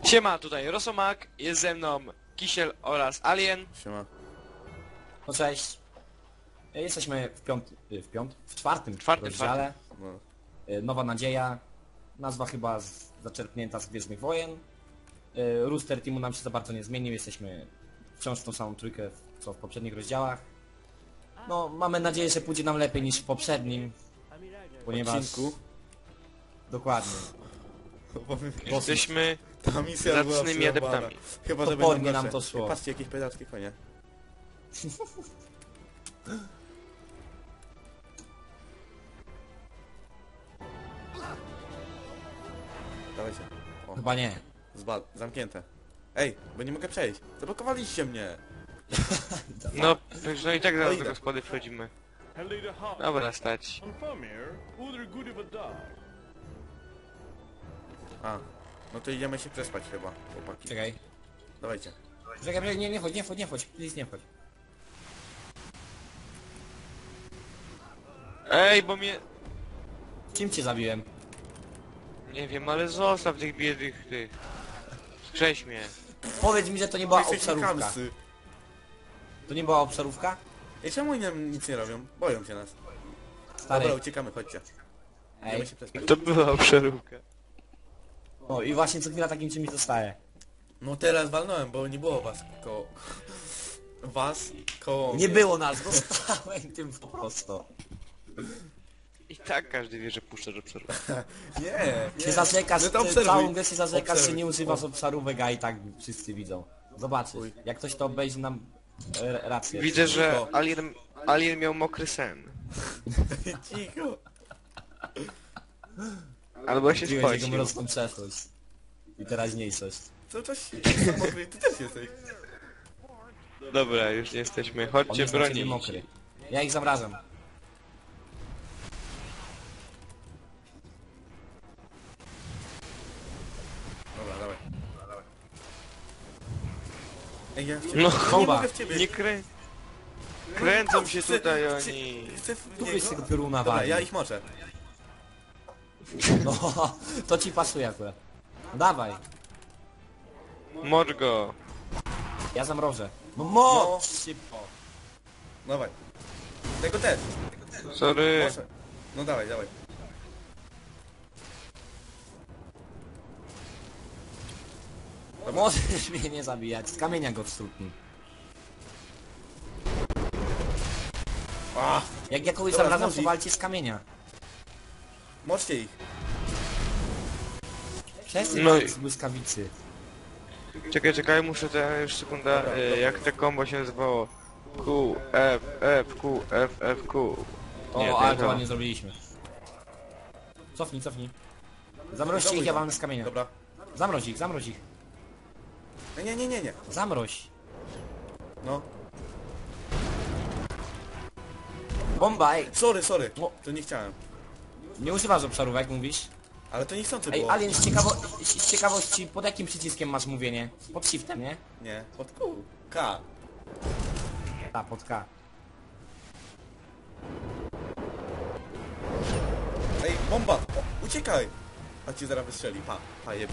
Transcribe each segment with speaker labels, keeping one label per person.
Speaker 1: Siema, tutaj Rosomak, jest ze mną Kisiel oraz Alien.
Speaker 2: Siema.
Speaker 3: No cześć. Jesteśmy w czwartym rozdziale.
Speaker 2: No.
Speaker 3: Nowa Nadzieja. Nazwa chyba zaczerpnięta z Gwiezdnych Wojen. Rooster Teamu nam się za bardzo nie zmienił, jesteśmy wciąż tą samą trójkę co w poprzednich rozdziałach. No, mamy nadzieję, że pójdzie nam lepiej niż w poprzednim. Ponieważ...
Speaker 2: Odcinku.
Speaker 3: Dokładnie.
Speaker 1: Jesteśmy
Speaker 2: Ta misja była
Speaker 1: zacnymi
Speaker 2: przerąbana.
Speaker 1: adeptami.
Speaker 2: Chyba, że
Speaker 3: Topornie
Speaker 2: będą
Speaker 3: nam
Speaker 2: gorsze.
Speaker 3: to szło.
Speaker 2: Patrzcie, jakieś pedalskie konie. Dawajcie. O,
Speaker 3: Chyba nie.
Speaker 2: zamknięte. Ej, bo nie mogę przejść. Zablokowaliście mnie.
Speaker 1: No, no i tak zaraz
Speaker 2: idę.
Speaker 1: do gospody wchodzimy. Dobra, stać.
Speaker 2: A, no to idziemy się przespać chyba, chłopaki.
Speaker 3: Czekaj.
Speaker 2: Dawajcie.
Speaker 3: Czekaj, nie wchodź, please nie wchodź.
Speaker 1: Ej, bo mnie...
Speaker 3: Czym cię zabiłem?
Speaker 1: Nie wiem, ale zostaw tych biednych tych. Skrześ mnie.
Speaker 3: Powiedz mi, że to nie była
Speaker 2: Jesteście
Speaker 3: obszarówka.
Speaker 2: chamscy.
Speaker 3: To nie była obszarówka?
Speaker 2: Ej, czemu oni nam nic nie robią? Boją się nas.
Speaker 3: Stary.
Speaker 2: Dobra, uciekamy, chodźcie.
Speaker 3: Ej.
Speaker 2: Idziemy się przespać.
Speaker 1: To była przeróbka.
Speaker 3: No i właśnie co chwila takim czymś zostaje.
Speaker 2: No teraz walnąłem, bo nie było was koło... Was koło...
Speaker 3: Nie było nas, dostałem tym po prostu.
Speaker 1: I tak każdy wie, że puszczasz obserwację.
Speaker 2: Nie,
Speaker 3: Się zarzekasz,
Speaker 2: No to
Speaker 3: ty
Speaker 2: obserwuj.
Speaker 3: całą grę się zarzekasz, że
Speaker 2: Obserwuj.
Speaker 3: nie używasz obszarówek, a i tak wszyscy widzą. Zobaczysz,
Speaker 2: Uj.
Speaker 3: jak ktoś to obejrzy nam rację.
Speaker 1: Widzę, że
Speaker 2: Cicho.
Speaker 1: Alien miał mokry sen.
Speaker 2: Cicho.
Speaker 1: Albo się
Speaker 3: Odkryłeś jego
Speaker 1: spocił.
Speaker 3: mroczną przeszłość. I teraźniejszość.
Speaker 2: Co coś... Mokry, ty też jesteś.
Speaker 1: Dobra, już jesteśmy.
Speaker 3: On
Speaker 1: Chodźcie
Speaker 3: jest na ciebie
Speaker 1: bronić.
Speaker 3: mokry. Ja ich zamrażam.
Speaker 2: Dobra, dawaj. Ej, ja w ciebie...
Speaker 1: No
Speaker 2: nie
Speaker 3: chowa.
Speaker 2: mogę w ciebie.
Speaker 1: Nie kręcą się
Speaker 2: Chcę-
Speaker 1: tutaj
Speaker 2: chcę-
Speaker 1: oni.
Speaker 2: Chcę w
Speaker 3: Tu
Speaker 2: niego.
Speaker 3: byś tego pioruna
Speaker 2: Dobra,
Speaker 3: walił.
Speaker 2: ja ich moczę.
Speaker 3: No, to ci pasuje akurat. Dawaj,
Speaker 1: Mocz go.
Speaker 3: ja zamrożę. No
Speaker 2: No.
Speaker 3: mocz szybko.
Speaker 2: Dawaj. Tego też.
Speaker 1: Sorry.
Speaker 2: Moczę. No dawaj, dawaj.
Speaker 3: Możesz mnie nie zabijać, z kamienia go wstrzutnij.
Speaker 2: A,
Speaker 3: Jak ja kogoś
Speaker 2: Dobra,
Speaker 3: zamrażam, to
Speaker 2: znowu ich.
Speaker 3: walcie z kamienia.
Speaker 2: moczcie ich.
Speaker 3: Przestań
Speaker 1: No
Speaker 3: no
Speaker 1: i-
Speaker 3: z błyskawicy.
Speaker 1: Czekaj, muszę już sekunda, jak te combo się nazywało. Q, F, F, Q, F, F, Q.
Speaker 3: O, ale to
Speaker 1: to.
Speaker 3: ładnie zrobiliśmy. Cofnij. Zamroźcie ich, ja wam z kamienia.
Speaker 2: Dobra.
Speaker 3: Zamroź ich.
Speaker 2: Nie.
Speaker 3: Zamroź.
Speaker 2: No.
Speaker 3: Bomba, ej.
Speaker 2: Sorry.
Speaker 3: No.
Speaker 2: To nie chciałem.
Speaker 3: Nie używasz obszarówek, mówisz?
Speaker 2: Ale to niechcący
Speaker 3: Ej,
Speaker 2: było.
Speaker 3: Alien, z ciekawości, pod jakim przyciskiem masz mówienie? Pod shiftem, nie?
Speaker 2: Nie, pod Q. K.
Speaker 3: Ta, pod K.
Speaker 2: Ej, bomba! O, uciekaj! A ci zaraz wystrzeli. Pa jeb.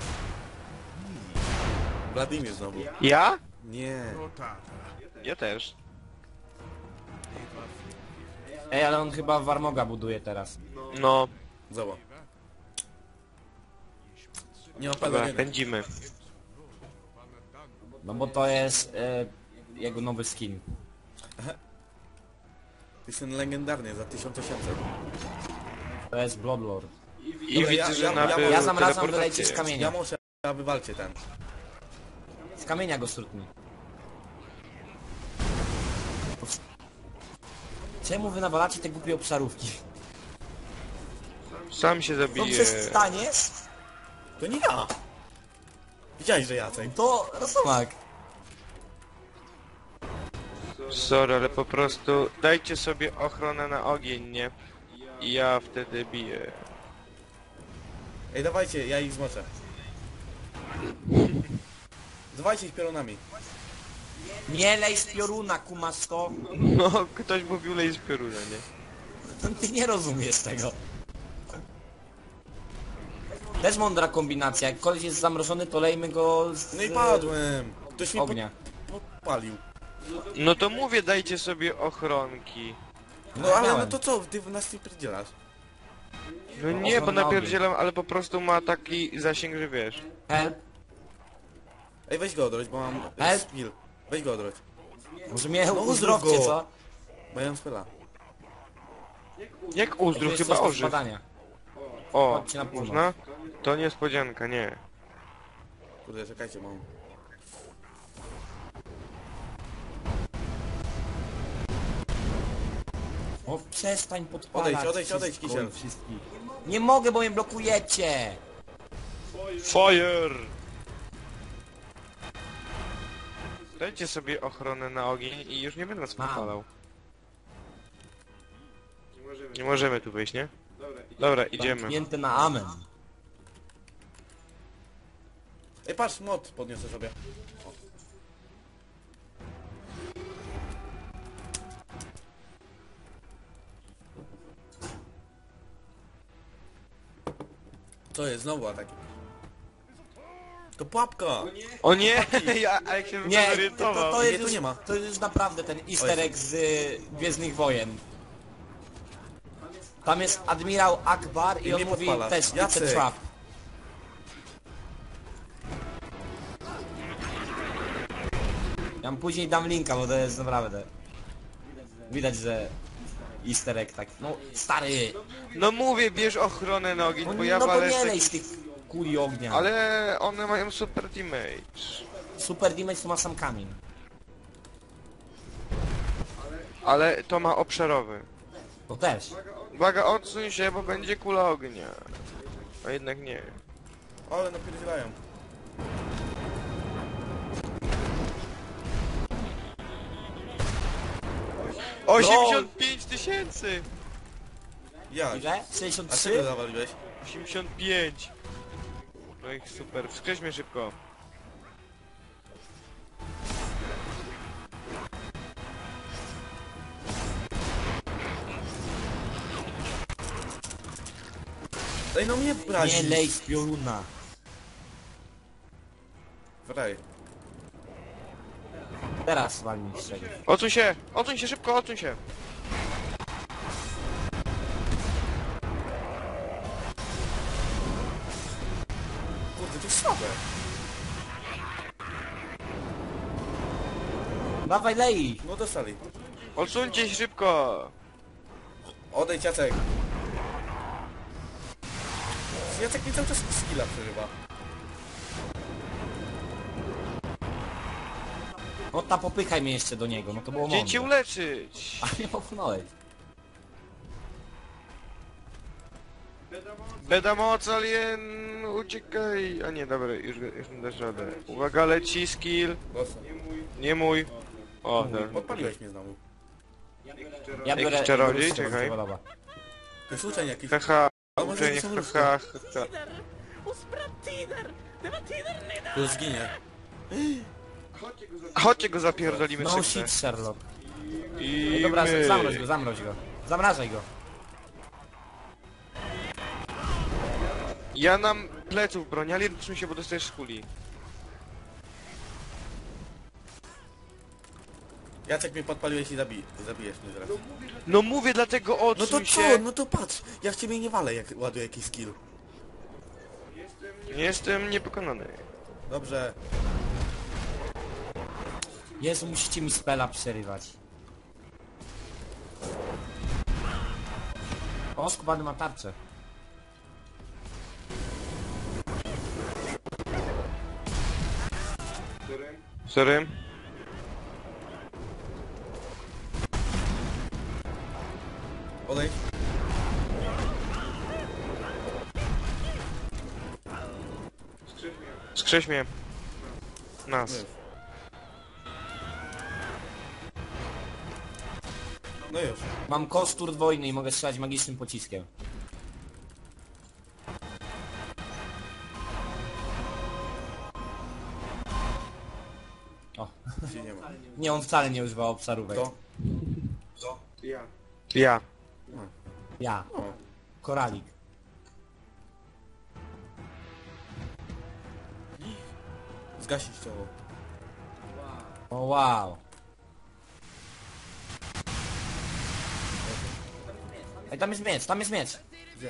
Speaker 2: Wladimir znowu.
Speaker 1: Ja?
Speaker 2: Nie.
Speaker 1: Ja też.
Speaker 3: Ej, ale on chyba Warmoga buduje teraz.
Speaker 1: No,
Speaker 2: Zobacz. Nie mam
Speaker 1: dobra,
Speaker 2: peleryny.
Speaker 1: pędzimy.
Speaker 3: No bo to jest jego nowy skin.
Speaker 2: To jest ten legendarny za 1800.
Speaker 3: To jest Bloodlord.
Speaker 1: I
Speaker 2: Dobra,
Speaker 1: widzę,
Speaker 2: ja-
Speaker 1: że
Speaker 2: ja-
Speaker 1: nabył
Speaker 2: ja
Speaker 3: Ja zamrażam,
Speaker 1: teleportację.
Speaker 3: wylejcie z
Speaker 2: Ja
Speaker 3: kamienia.
Speaker 2: muszę, a wy walcie ten.
Speaker 3: Z kamienia go strutnij. Czemu wy nawalacie te głupie obszarówki?
Speaker 1: Sam się
Speaker 3: No
Speaker 1: zabije.
Speaker 3: przestaniesz?
Speaker 2: To nie ja! Widziałeś, że Jacek.
Speaker 3: To Rosomak.
Speaker 1: Sorry, ale po prostu dajcie sobie ochronę na ogień, nie? I ja wtedy biję.
Speaker 2: Ej, dawajcie, ja ich zmoczę. Dawajcie ich piorunami.
Speaker 3: Nie lej z pioruna, kumasz to.
Speaker 1: No, ktoś mówił lej z pioruna, nie?
Speaker 3: Ty nie rozumiesz tego. Też mądra kombinacja, jak koleś jest zamrożony, to lejmy go z
Speaker 2: No i padłem. Ktoś mnie
Speaker 3: ognia.
Speaker 2: podpalił.
Speaker 1: No to mówię, dajcie sobie ochronki.
Speaker 2: No ale no
Speaker 3: Miałem.
Speaker 2: to co, ty nas nie pierdzielasz?
Speaker 1: No nie, bo
Speaker 3: Ochrona ogień.
Speaker 1: napierdzielam, ale po prostu ma taki zasięg, że wiesz.
Speaker 3: Help.
Speaker 2: Ej, weź go odroć, bo mam
Speaker 3: Help.
Speaker 2: skill. Weź go odroć,
Speaker 3: Może mnie
Speaker 2: No,
Speaker 3: uzdrowcie,
Speaker 2: uzdrów go.
Speaker 3: co?
Speaker 2: bo ja mam spela.
Speaker 1: Jak uzdrów,
Speaker 3: To jest
Speaker 1: chyba
Speaker 3: coś do
Speaker 1: ożyw.
Speaker 3: spadania.
Speaker 1: O,
Speaker 3: Chodźcie na północ.
Speaker 1: można? To niespodzianka, nie.
Speaker 2: Kurde, czekajcie, mam.
Speaker 3: O, przestań podpalać.
Speaker 2: Odejdź,
Speaker 3: wszystko
Speaker 2: Kisiel.
Speaker 3: i wszystkich. Nie mogę, bo mnie blokujecie.
Speaker 1: Fire! Dajcie sobie ochronę na ogień i już nie będę nas
Speaker 3: Mam.
Speaker 1: podpalał. Nie możemy tu wyjść, nie? Dobra, idziemy.
Speaker 3: Zamknięte na amen.
Speaker 2: Ej, patrz, mod podniosę sobie. Co jest? Znowu atak. To pułapka!
Speaker 1: O nie! A jak się bym
Speaker 3: Nie,
Speaker 1: zorientował?
Speaker 3: to
Speaker 2: Nie,
Speaker 3: jest
Speaker 2: tu
Speaker 3: już,
Speaker 2: nie ma.
Speaker 3: to jest już naprawdę ten easter egg z Gwiezdnych Wojen. Tam jest admirał Akbar i
Speaker 2: I
Speaker 3: on
Speaker 2: mnie
Speaker 3: mówi
Speaker 2: podpala.
Speaker 3: też it's a
Speaker 2: Jacek.
Speaker 3: trap. Ja mu później dam linka, bo to jest naprawdę... Widać, że easter egg tak... No stary!
Speaker 1: No mówię, bierz ochronę na ogień,
Speaker 3: No,
Speaker 1: bo ja
Speaker 3: no to
Speaker 1: walę
Speaker 3: nie
Speaker 1: z
Speaker 3: lej
Speaker 1: takich...
Speaker 3: z tych kuli ognia.
Speaker 1: Ale one mają super damage.
Speaker 3: Super damage to ma sam kamień.
Speaker 1: Ale to ma obszarowy.
Speaker 3: To też.
Speaker 1: Uwaga, odsuń się, bo będzie kula ognia. A jednak nie.
Speaker 2: Ale napierdzielają.
Speaker 3: No.
Speaker 1: 85 tysięcy!
Speaker 2: Jak?
Speaker 3: Ile?
Speaker 2: A czego
Speaker 3: 63?
Speaker 2: zawaliłeś?
Speaker 1: 85! No i super, wskrzeć mnie szybko.
Speaker 2: Ej, no mnie
Speaker 3: Nie
Speaker 2: brazi.
Speaker 3: lej z pioruna.
Speaker 2: Wraj.
Speaker 3: Teraz walnij z czegoś.
Speaker 1: Odsuń się! Odsuń się szybko, odsuń się!
Speaker 2: Kurde, to jest słabe.
Speaker 3: Dawaj lej ich.
Speaker 2: No dostali.
Speaker 1: Odsuńcie się szybko!
Speaker 2: Odejdź, Jacek. Jacek mi cały czas skilla przerywa.
Speaker 3: No ta popychaj mnie jeszcze do niego, no to było
Speaker 1: Chciałem cię
Speaker 3: mądre.
Speaker 1: uleczyć!
Speaker 3: A mnie popchnąłeś.
Speaker 1: Beda moc, alien! Uciekaj! A nie, dobra, już mi dasz radę. Uwaga, leci skill.
Speaker 2: Dostał.
Speaker 1: Nie mój. O, tak.
Speaker 2: Podpaliłeś mnie znowu.
Speaker 3: Ja biorę...
Speaker 1: czarodziej?
Speaker 3: biorę
Speaker 1: Czekaj.
Speaker 3: podoba.
Speaker 2: To jest uczeń jakiś.
Speaker 1: Haha,
Speaker 2: Ale może
Speaker 1: uczenie,
Speaker 2: nie są
Speaker 1: haha, haha.
Speaker 2: To już zginie.
Speaker 1: Chodźcie go zapierdolimy
Speaker 3: No
Speaker 1: szybko.
Speaker 3: shit, Sherlock.
Speaker 1: I
Speaker 3: Dobra,
Speaker 1: my.
Speaker 3: zamroź go, zamroź go. Zamrażaj go.
Speaker 1: Ja nam pleców broni, ale odsuń się, bo dostajesz z kuli.
Speaker 2: Jacek mnie podpaliłeś i zabijesz mnie zaraz.
Speaker 1: No mówię, dlatego
Speaker 2: No
Speaker 1: odsuń
Speaker 2: to
Speaker 1: się.
Speaker 2: co? No to patrz. Ja w ciebie nie walę, jak ładuję jakiś skill.
Speaker 1: Jestem niepokonany.
Speaker 2: Dobrze.
Speaker 3: Jezu, musicie mi spela przerywać. O, skubany ma tarczę.
Speaker 1: Sorry.
Speaker 2: Odejdź.
Speaker 1: Skrześ mnie. Nas.
Speaker 2: No już.
Speaker 3: Mam kostur dwojny i mogę strzelać magicznym pociskiem. O,
Speaker 2: Się nie ma.
Speaker 3: nie, on wcale nie używał obszarówek.
Speaker 2: To?
Speaker 1: Ja.
Speaker 3: Ja.
Speaker 2: O.
Speaker 3: Koralik.
Speaker 2: Zgasić to.
Speaker 3: O wow. Ej, tam jest miecz, tam jest miecz.
Speaker 2: Gdzie?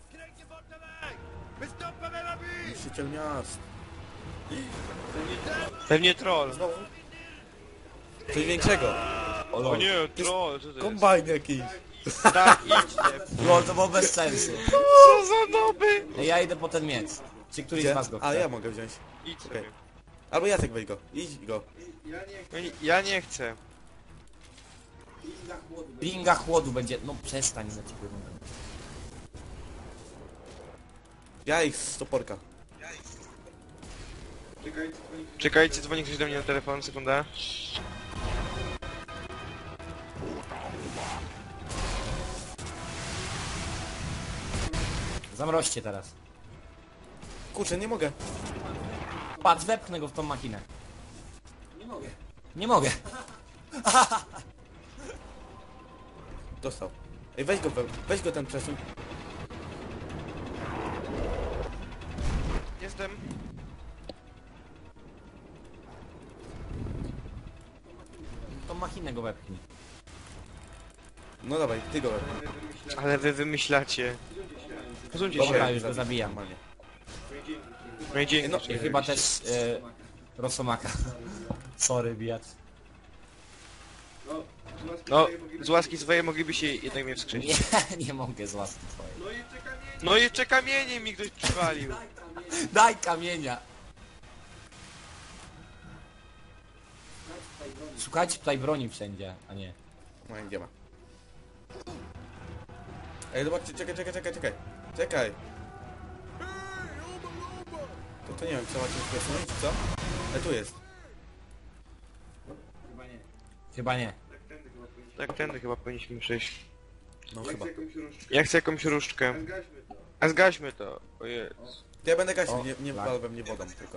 Speaker 2: Niszczyciel miast.
Speaker 1: Pewnie troll.
Speaker 2: Znowu? Coś większego.
Speaker 1: O nie, troll, co to jest?
Speaker 2: Kombajn jakiś.
Speaker 1: Tak, idźcie.
Speaker 3: Lol, to było bez sensu.
Speaker 1: Co za noby?
Speaker 3: Ej, ja idę po ten miecz. Czy któryś
Speaker 2: Gdzie?
Speaker 3: z was go
Speaker 2: A
Speaker 3: chce?
Speaker 2: ja mogę wziąć.
Speaker 1: Idź
Speaker 2: Okej.
Speaker 1: sobie.
Speaker 2: Albo Jacek weź go. Idź go.
Speaker 1: Ja nie chcę.
Speaker 3: Pinga chłodu będzie... No przestań na ciebie.
Speaker 2: Ja ich z toporka.
Speaker 1: Czekajcie, dzwoni ktoś do mnie na telefon, sekunda.
Speaker 3: Zamroźcie teraz.
Speaker 2: Kurczę, nie mogę.
Speaker 3: Patrz, wepchnę go w tą machinę. Nie mogę.
Speaker 2: Dostał. Ej, weź go ten przesuń.
Speaker 1: Jestem.
Speaker 3: Tą machinę go wepchnij.
Speaker 2: No dawaj, ty go.
Speaker 1: Ale wy wymyślacie. Posuńcie
Speaker 3: Dobra,
Speaker 1: się.
Speaker 3: już go zabijam.
Speaker 2: Normalnie.
Speaker 1: No i dzięki.
Speaker 2: No,
Speaker 3: I chyba też Rosomaka. Sorry, bijacz.
Speaker 1: No, z łaski swojej mogliby się jednak mnie wskrzesić.
Speaker 3: Nie, nie mogę z łaski twojej.
Speaker 1: No i jeszcze kamieniem mi ktoś przywalił.
Speaker 3: Daj kamienia! Szukajcie tutaj broni wszędzie, a nie.
Speaker 2: No i nie ma. Ej, zobaczcie, czekaj. Czekaj. To nie wiem, co macie przesunąć, czy co? Ale tu jest.
Speaker 3: Chyba nie.
Speaker 1: Tak, tędy chyba powinniśmy przejść.
Speaker 2: No chyba.
Speaker 1: Ja chcę jakąś różdżkę. A zgaśmy to. O Jezu.
Speaker 2: To ja będę gasił,
Speaker 3: O,
Speaker 2: nie
Speaker 3: tak.
Speaker 2: walwem, nie wodą tylko.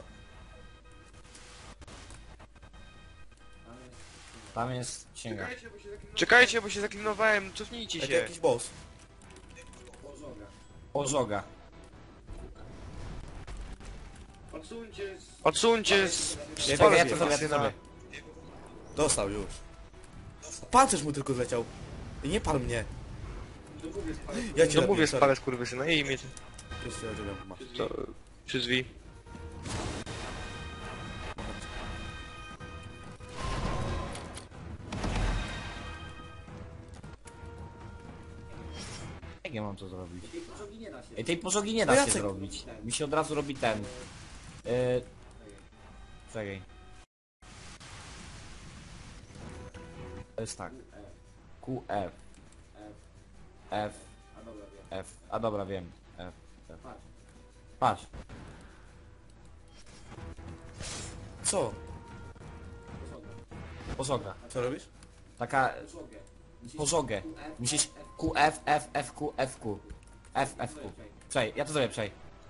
Speaker 3: Tam jest księga.
Speaker 1: Czekajcie, bo się zaklinowałem. Cofnijcie
Speaker 2: Ej, to
Speaker 1: się.
Speaker 2: jakiś boss.
Speaker 3: Ożoga.
Speaker 1: Odsuńcie z...
Speaker 2: Ja
Speaker 3: Czekaj, ja
Speaker 2: robię,
Speaker 3: to zrobię, ja to zrobię.
Speaker 2: Dostał już. Pancerz mu tylko zleciał. I nie pal mnie. Ja ci
Speaker 1: No
Speaker 2: robię,
Speaker 1: mówię,
Speaker 2: sorry.
Speaker 1: spalę skurwysyna i mnie
Speaker 2: Już się robiłem, masz.
Speaker 1: to przy drzwi.
Speaker 3: Jak ja mam to zrobić? Ej, tej pożogi nie
Speaker 2: No
Speaker 3: da się
Speaker 2: Jacek.
Speaker 3: zrobić. Mi się od razu robi ten. Czekaj. To jest tak. Q, F. F. F. A dobra, wiem. F. F. Patrz.
Speaker 2: Co?
Speaker 3: Pożoga.
Speaker 2: Co robisz?
Speaker 3: Taka... Pożogę. Musisz Q, F, F, F, Q, F, Q. F, F, Q. Przej, ja to zrobię, przej.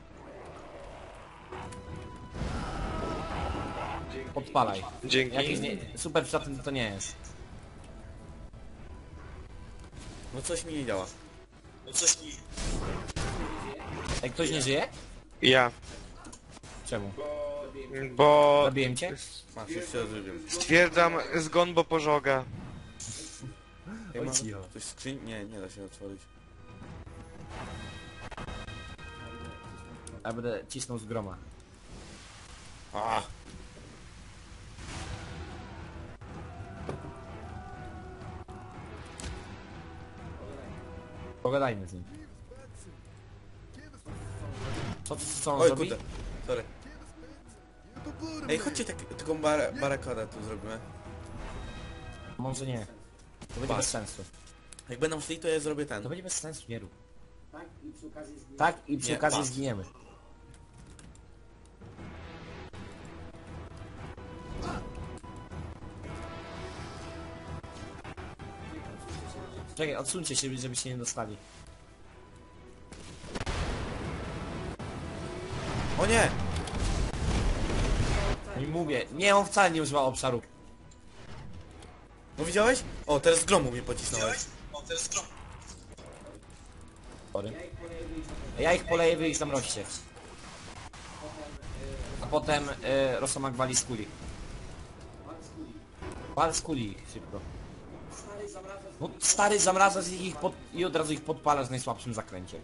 Speaker 3: Podpalaj.
Speaker 1: Dzięki.
Speaker 3: Jakiś nie... Super przydatny to nie jest.
Speaker 2: No coś mi nie działa.
Speaker 3: Ej, ktoś nie żyje?
Speaker 1: Ja.
Speaker 3: Czemu?
Speaker 1: Bo...
Speaker 3: Zabiłem cię?
Speaker 2: Masz, już się rozrobiłem.
Speaker 1: Stwierdzam zgon, bo pożoga.
Speaker 2: Ej,
Speaker 3: Oj,
Speaker 2: ma
Speaker 3: cicho.
Speaker 2: coś w skrzyni? Nie da się otworzyć.
Speaker 3: Ja będę cisnął z groma.
Speaker 2: A,
Speaker 3: Pogadajmy z nim. Co on
Speaker 2: oj
Speaker 3: zrobi?
Speaker 2: kurde, sorry. Ej, chodźcie taką barakadę tu zrobimy.
Speaker 3: Może nie. To będzie
Speaker 2: Patrz.
Speaker 3: bez sensu.
Speaker 2: Jak będą szli, to ja zrobię ten.
Speaker 3: To będzie bez sensu, nie rób. Tak i przy
Speaker 2: Nie,
Speaker 3: okazji
Speaker 2: patrz.
Speaker 3: zginiemy. Czekaj, odsuńcie się, żebyście nie dostali.
Speaker 2: O nie!
Speaker 3: I mówię, nie, on wcale nie używa obszaru.
Speaker 2: No widziałeś? O, teraz z gromu mnie pocisnąłeś.
Speaker 3: Sorry. Ja ich poleję, wy ich zamroźcie. A potem Rosomak wali z kuli. Wal z kuli, szybko. No stary, zamrażasz ich i od razu ich podpalasz w najsłabszym zakręcie.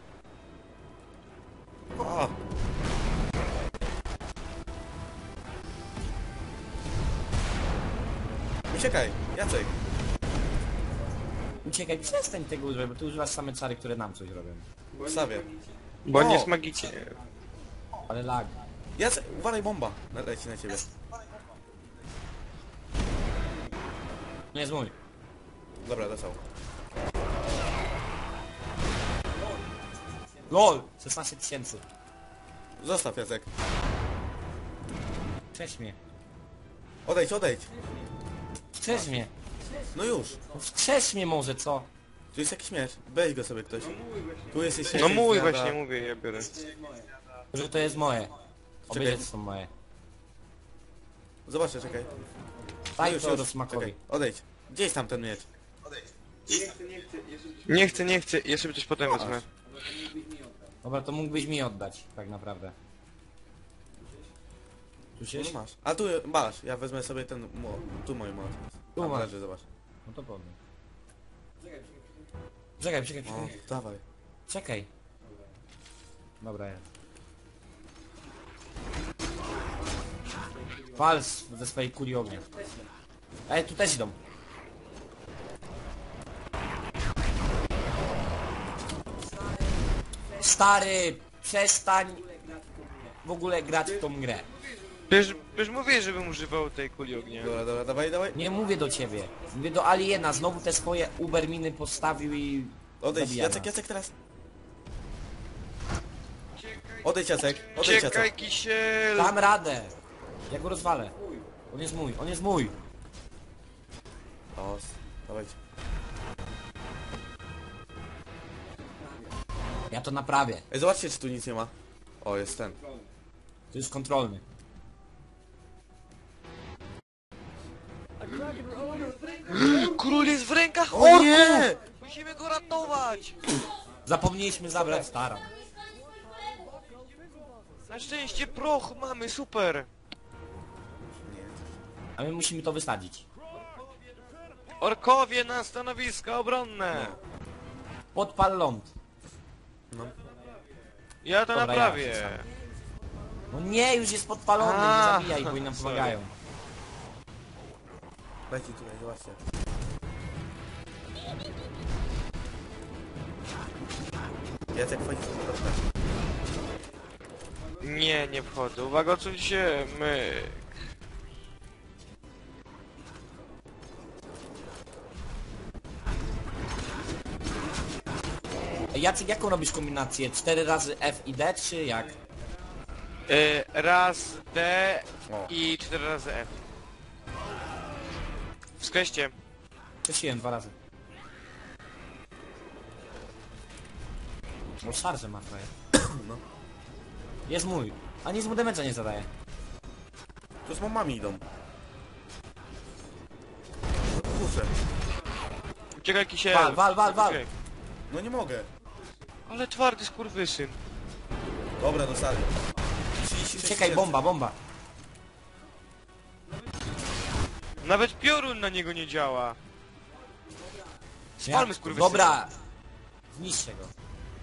Speaker 2: O! Uciekaj, Jacek.
Speaker 3: Uciekaj, przestań tego używać, bo ty używasz same czary, które nam coś robią.
Speaker 2: Wstawię.
Speaker 1: Bo
Speaker 2: O!
Speaker 1: nie jest magicznie.
Speaker 3: Ale lag.
Speaker 2: Jacek, uwalaj bomba. Leci na ciebie.
Speaker 3: Nie jest mój.
Speaker 2: Dobra, dostał.
Speaker 3: LOL! 16 000.
Speaker 2: Zostaw, Jacek.
Speaker 3: Wskrzesz mnie.
Speaker 2: Odejdź, odejdź.
Speaker 3: Wskrzesz mnie.
Speaker 2: No już.
Speaker 3: No wskrzesz mnie może, co?
Speaker 2: Tu jest jakiś miecz. Weź go sobie ktoś. Tu jest jeszcze...
Speaker 1: No mój
Speaker 2: zjada.
Speaker 1: właśnie, mówię, ja biorę.
Speaker 3: Że to jest moje.
Speaker 2: Czekaj.
Speaker 3: Obie są moje.
Speaker 2: Zobaczę, czekaj.
Speaker 3: Daj to Rosmakowi.
Speaker 2: Czekaj. Odejdź. Gdzie jest tam ten miecz?
Speaker 1: Nie chcę, ja sobie coś potem wezmę.
Speaker 3: Dobra, to mógłbyś mi oddać, tak naprawdę. Tu się?
Speaker 2: No masz. A tu masz. Ja wezmę sobie ten... Tu mój młot.
Speaker 3: Tu
Speaker 2: Tam
Speaker 3: masz.
Speaker 2: leży, zobacz.
Speaker 3: No to powiem. Czekaj, czekaj,
Speaker 2: O,
Speaker 3: czekaj.
Speaker 2: dawaj.
Speaker 3: Czekaj. Dobra, jest. Wal ze swojej kuli ognia. Ej, tu też idą. Stary, przestań w ogóle grać w tą grę.
Speaker 1: Przecież mówię, żebym używał tej kuli ognia.
Speaker 2: Dobra, dobra, dawaj, dawaj.
Speaker 3: Nie mówię do ciebie. Mówię do Aliena. Znowu te swoje uberminy postawił i...
Speaker 2: Odejdź,
Speaker 3: zabija
Speaker 2: Jacek,
Speaker 3: nas.
Speaker 2: Jacek teraz. Odejdź, Jacek. Odejdź,
Speaker 1: Czekaj,
Speaker 2: Jacek.
Speaker 1: kisiel!
Speaker 3: Dam radę. Ja go rozwalę. On jest mój, on jest mój.
Speaker 2: O, dawajcie.
Speaker 3: Ja to naprawię.
Speaker 2: Ej, zobaczcie, czy tu nic nie ma. O, jest ten.
Speaker 3: To jest kontrolny.
Speaker 1: Król jest w rękach
Speaker 2: O
Speaker 1: orków!
Speaker 2: nie!
Speaker 1: Musimy go ratować!
Speaker 3: Zapomnieliśmy zabrać Staran.
Speaker 1: Na szczęście proch mamy, super!
Speaker 3: A my musimy to wysadzić.
Speaker 1: Orkowie na stanowiska obronne!
Speaker 3: Podpal ląd.
Speaker 1: Ja to
Speaker 3: Dobra,
Speaker 1: naprawię.
Speaker 3: ja sam. No nie, już jest podpalony, nie
Speaker 1: A,
Speaker 3: zabijaj, bo oni nam
Speaker 1: sorry.
Speaker 3: pomagają.
Speaker 2: Dajcie tutaj, zobaczcie. Jacek, wchodzi tu do środka.
Speaker 1: Nie, nie wchodzę. Uwaga, odsuńcie się, my...
Speaker 3: Ej, Jacek, jaką robisz kombinację? 4 razy F i D, czy jak?
Speaker 1: Raz D
Speaker 2: O.
Speaker 1: i 4 razy F. Wskreślcie.
Speaker 3: Przesiłem 2 razy. Bo szarże ma frajer.
Speaker 2: No.
Speaker 3: Jest mój. A nic mu damage'a nie zadaje.
Speaker 2: Tu z mamami idą. No to kurczę.
Speaker 1: Uciekaj, kisiel.
Speaker 3: Wal.
Speaker 1: Uciekaj.
Speaker 2: No nie mogę.
Speaker 1: Ale twardy skurwysyn.
Speaker 2: Dobra, dostali. 36
Speaker 3: Czekaj, bomba.
Speaker 1: Nawet piorun na niego nie działa. Spalmy skurwysyna.
Speaker 3: Dobra. Zniszczcie go.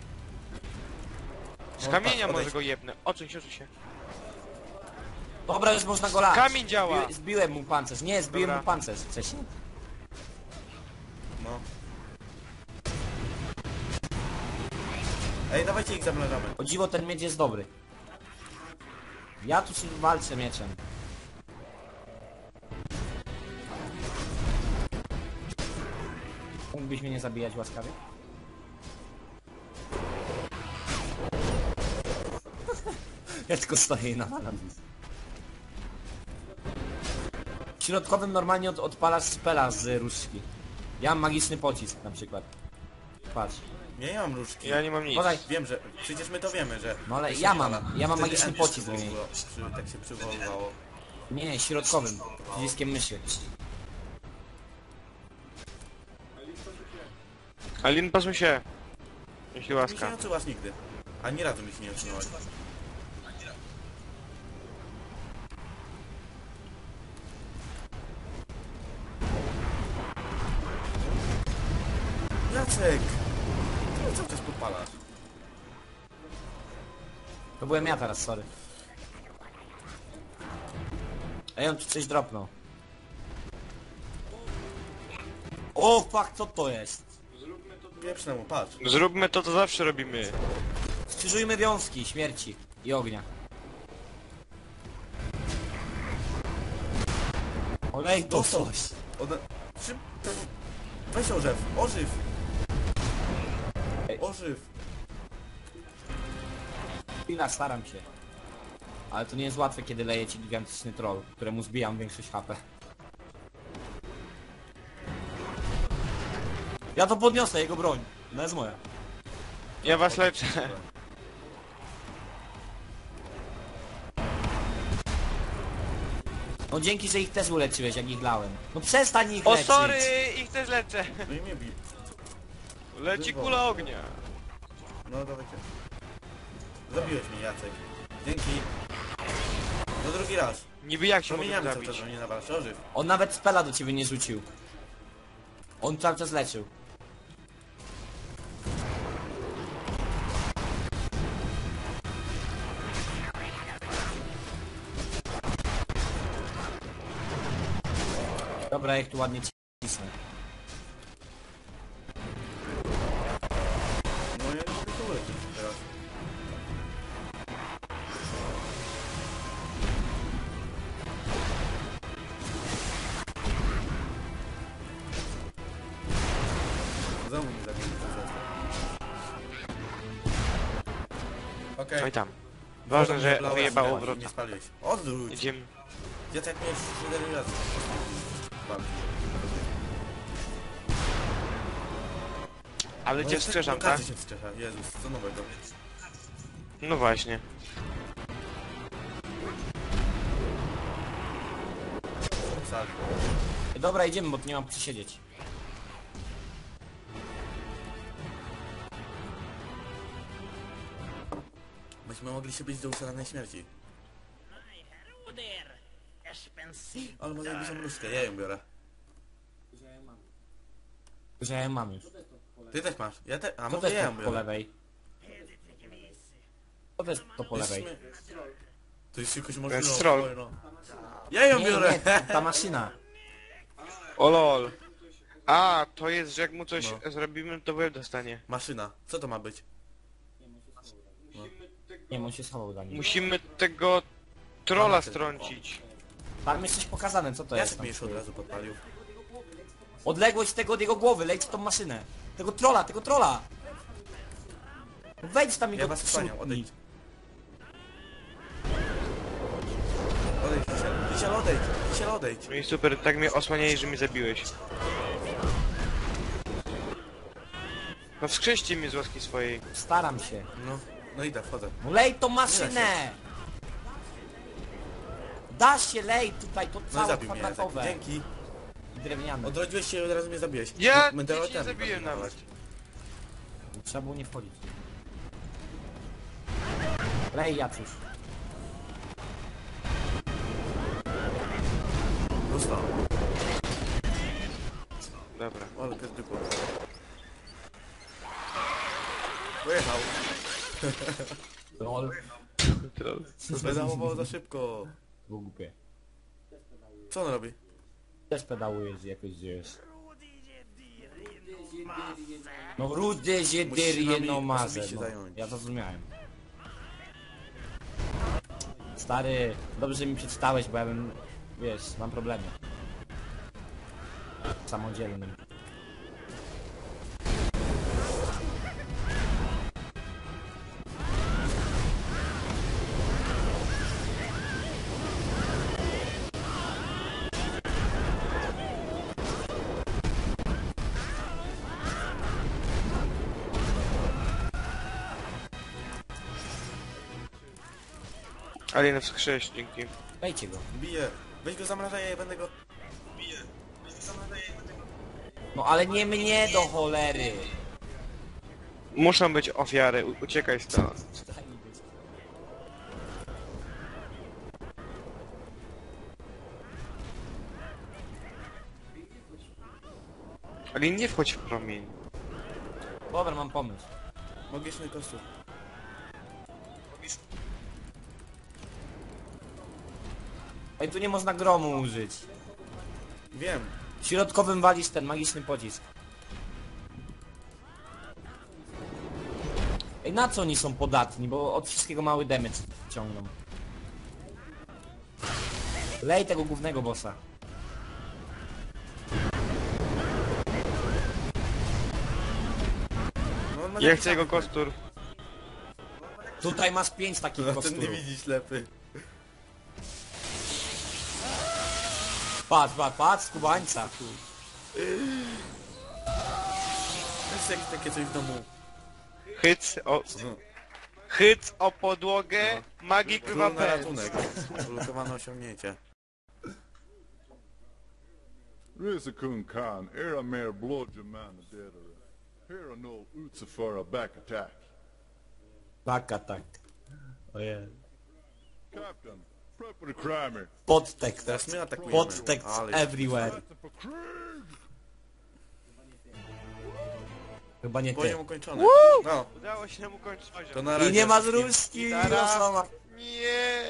Speaker 1: Z kamienia
Speaker 2: odejdź.
Speaker 1: może go jebnę. Odsuń się.
Speaker 3: Dobra, już można go lać.
Speaker 1: Kamień działa.
Speaker 3: Zbiłem mu pancerz. Nie, zbiłem
Speaker 1: Dobra.
Speaker 3: mu pancerz wcześniej.
Speaker 2: No. Ej, dawajcie ich zamrażamy.
Speaker 3: O dziwo, ten miecz jest dobry. Ja tu się walczę mieczem. Mógłbyś mnie nie zabijać łaskawie? Ja tylko stoję i nawalam. W środkowym normalnie odpalasz spela z różdżki. Ja mam magiczny pocisk na przykład. Patrz.
Speaker 2: Nie mam różdżki.
Speaker 1: Ja nie mam nic.
Speaker 3: Podaj.
Speaker 2: Wiem, że... Przecież my to wiemy, że...
Speaker 3: No ale
Speaker 2: to się
Speaker 3: ja
Speaker 2: pala.
Speaker 3: mam
Speaker 2: Wtedy
Speaker 3: magiczny
Speaker 2: Andy
Speaker 3: pocisk w niej.
Speaker 2: tak się przywoływało.
Speaker 3: Nie, środkowym. Przyciskiem myszy.
Speaker 1: Alin, pasuj się. Jeśli
Speaker 2: Mi się
Speaker 1: łaska.
Speaker 2: nie odsuwasz nigdy. Ani razu mi się nie odsunąłeś. Jacek! Ty cały czas podpalasz.
Speaker 3: To byłem ja teraz, sorry. Ej, on tu coś dropnął. O, fuck, co to jest?
Speaker 2: Pieprz mu, patrz.
Speaker 1: Zróbmy to, co zawsze robimy.
Speaker 3: Skrzyżujmy wiązki śmierci i ognia. Olej to
Speaker 2: Dostał.
Speaker 3: coś.
Speaker 2: Weź orzew, ożyw!
Speaker 3: Ej.
Speaker 2: Ożyw!
Speaker 3: Chwila, staram się. Ale to nie jest łatwe, kiedy leje ci gigantyczny troll, któremu zbijam większość HP. Ja to podniosę, jego broń. No jest moja.
Speaker 1: Ja was leczę.
Speaker 3: No dzięki, że ich też uleczyłeś, jak ich lałem. No przestań ich
Speaker 1: O
Speaker 3: leczyć.
Speaker 1: sorry, ich też leczę.
Speaker 2: No i mnie bij.
Speaker 1: Leci kula ognia.
Speaker 2: No dawajcie. Zabiłeś mnie, Jacek. Dzięki. No drugi raz.
Speaker 1: Niby jak się mogę
Speaker 2: Promieniamy cały
Speaker 1: zabić?
Speaker 2: czas, że mnie nawalasz. Ożyw.
Speaker 3: On nawet spela do ciebie nie rzucił. On cały czas leczył. Dobra, jak tu ładnie cisnę.
Speaker 2: No ja nie mogę tu ulecieć teraz. Znowu mi zabili to zlecę. Okej.
Speaker 1: Oj tam. Ważne, że
Speaker 2: Blała,
Speaker 1: wyjebało
Speaker 2: nie
Speaker 1: wrota.
Speaker 2: spaliłeś. Odwróć!
Speaker 1: Idziemy.
Speaker 2: Jacek mnie już 7 razy.
Speaker 1: Ale cię wskrzeszam, tak?
Speaker 2: Każdy się wskrzesza. Jezus, co nowego.
Speaker 1: No właśnie.
Speaker 2: Sal.
Speaker 3: Dobra, idziemy, bo tu nie mam gdzie siedzieć.
Speaker 2: Myśmy mogli się być do ustalanej śmierci. Ale może jakby są różkę, ja ją biorę.
Speaker 3: Że ja ją mam już.
Speaker 2: Ty też masz. Ja te... A
Speaker 3: Co to
Speaker 2: może
Speaker 3: jest
Speaker 2: ja
Speaker 3: to
Speaker 2: ją
Speaker 3: po
Speaker 2: biorę.
Speaker 3: lewej? Co to jest to po lewej?
Speaker 2: To jest jakoś
Speaker 1: To
Speaker 2: możliwe.
Speaker 1: jest troll.
Speaker 2: No. Ja ją
Speaker 3: Nie,
Speaker 2: biorę!
Speaker 3: nie, ta maszyna.
Speaker 1: O lol. A, to jest, że jak mu coś
Speaker 2: No.
Speaker 1: zrobimy, to łeb dostanie.
Speaker 2: Maszyna. Co to ma być?
Speaker 3: Nie, on się schował za nim.
Speaker 1: Musimy tego trolla strącić.
Speaker 3: Tam jest coś pokazane, co to jest
Speaker 2: Jacek
Speaker 3: tam?
Speaker 2: mnie już od razu podpalił.
Speaker 3: Odległość tego od jego głowy, leć w tą maszynę. Tego trolla, tego trolla! Wejdź tam i
Speaker 2: Ja
Speaker 3: go
Speaker 2: was wspaniał,
Speaker 3: trzutnij.
Speaker 2: odejdź. Odejdź, Kisiel, odejdź. Kisiel, odejdź.
Speaker 1: No i super, tak mnie osłaniali, że mnie zabiłeś. No wskrzeszcie mnie z łaski swojej.
Speaker 3: Staram się.
Speaker 2: No, no idę, wchodzę.
Speaker 3: No lej tą maszynę! Da się, lej tutaj, to
Speaker 2: No i
Speaker 3: całe
Speaker 2: zabił mnie Jacek.
Speaker 3: kwadratowe.
Speaker 2: Dzięki.
Speaker 3: I drewniane.
Speaker 2: Odrodziłeś się i od razu mnie zabiłeś.
Speaker 1: Ja
Speaker 2: My
Speaker 1: cię nie
Speaker 2: teoretami
Speaker 1: zabiłem
Speaker 2: będziemy
Speaker 1: nawet.
Speaker 3: Trzeba było nie wchodzić. Lej, Jacuś.
Speaker 2: Dostał.
Speaker 1: Dobra.
Speaker 2: Ale pies dupło. Pojechał.
Speaker 3: Lol.
Speaker 1: Troll.
Speaker 2: Pedałował za szybko.
Speaker 3: Było głupie.
Speaker 2: Co on robi?
Speaker 3: Też pedałujesz jakoś gdzieś. No rudy
Speaker 2: Musisz
Speaker 3: zjedyrie
Speaker 2: nami
Speaker 3: no mazę.
Speaker 2: osobiście
Speaker 3: No.
Speaker 2: zająć.
Speaker 3: Ja to zrozumiałem. Stary, dobrze że mi przeczytałeś, bo ja bym, wiesz, mam problemy. Samodzielnym.
Speaker 1: Alien wskrzesz, dzięki.
Speaker 3: Wejdźcie go.
Speaker 2: Bije. Weź go zamrażaj, ja będę go...
Speaker 3: No ale nie mnie do cholery.
Speaker 1: Muszą być ofiary, uciekaj stąd.
Speaker 3: Daj mi być.
Speaker 1: Alien, nie wchodź w promień.
Speaker 3: Dobra, mam pomysł.
Speaker 2: Magiczny kostur.
Speaker 3: Ej, tu nie można gromu użyć.
Speaker 2: Wiem.
Speaker 3: Środkowym walisz ten magiczny pocisk. Ej, na co oni są podatni? Bo od wszystkiego mały damage ciągną. Lej tego głównego bossa.
Speaker 2: No, on ma
Speaker 1: Ja
Speaker 2: taki
Speaker 1: chcę jego
Speaker 2: sam.
Speaker 1: kostur.
Speaker 3: Tutaj masz 5 takich
Speaker 2: No ten
Speaker 3: kosturów.
Speaker 2: nie widzi ślepy.
Speaker 3: Patrz, patrz, patrz, skubańca.
Speaker 2: Jest jakieś takie coś w domu.
Speaker 1: Hyc o podłogę, magik
Speaker 2: Król
Speaker 1: bywa
Speaker 2: na
Speaker 1: pęd.
Speaker 2: ratunek. Ulokowane osiągnięcie.
Speaker 4: Rizikun Khan, Aramare Blodjaman the Dead. Here no Utsafara back attack.
Speaker 3: Back attack. Ojej.
Speaker 4: Captain, prep for the crimer.
Speaker 3: Podtekst.
Speaker 2: Teraz my atakujemy.
Speaker 3: Podtekst
Speaker 2: Ale
Speaker 3: everywhere.
Speaker 4: That's for Krieg!
Speaker 3: Chyba nie ty.
Speaker 2: poziom ukończony. No,
Speaker 1: Udało się nam ukończyć poziom.
Speaker 2: to na razie.
Speaker 3: I nie ma
Speaker 2: wszystkim.
Speaker 3: zruszki!
Speaker 1: Gitara.
Speaker 3: Rosoma.
Speaker 1: Nie!